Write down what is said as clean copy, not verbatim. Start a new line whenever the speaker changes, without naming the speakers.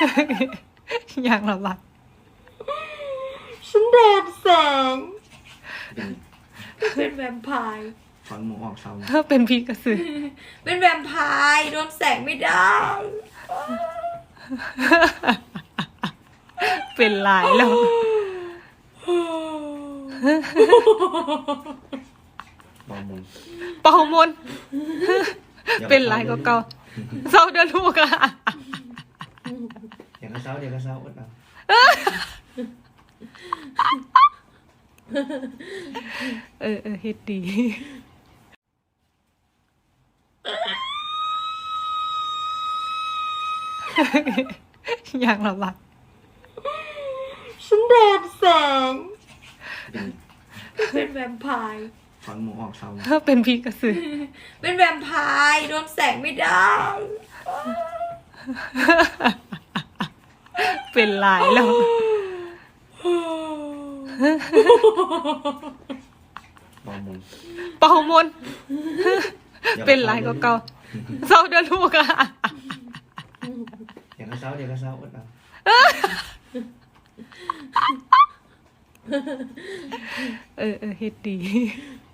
อย่างละบัด
ฉันแดนแสงเป็นแวมไพร์
ฟังหมูออกเศร้า
เป็นพี่กระสือ
เป็นแวมไพร์โดนแสงไม่ได้
เป็นหลายแล้ว
บอมุน
เป่ามนต์เป็นหลายก็เก่าเศร้าเดือลูกอะ
เดี๋ยวก็เศร้าเดี๋ยวก็เศร้าอดเอา
เฮ็ดดีอย่างละบัด
ฉันแดนแสงเป็นแวมไพร์
ฟังหมูออกเศร้า
เป็นพี่กระสือ
เป็นแวมไพร์โดนแสงไม่ได้
เป็นหลายแล้ว
บอมุน
เป่ามนต์เป็นหลายก็เก่าเศร้าเดือลูกอะ
เดี๋ยวก็เศร้าเดี๋ยวก็เศร้าอดเอา
เฮ็ดดี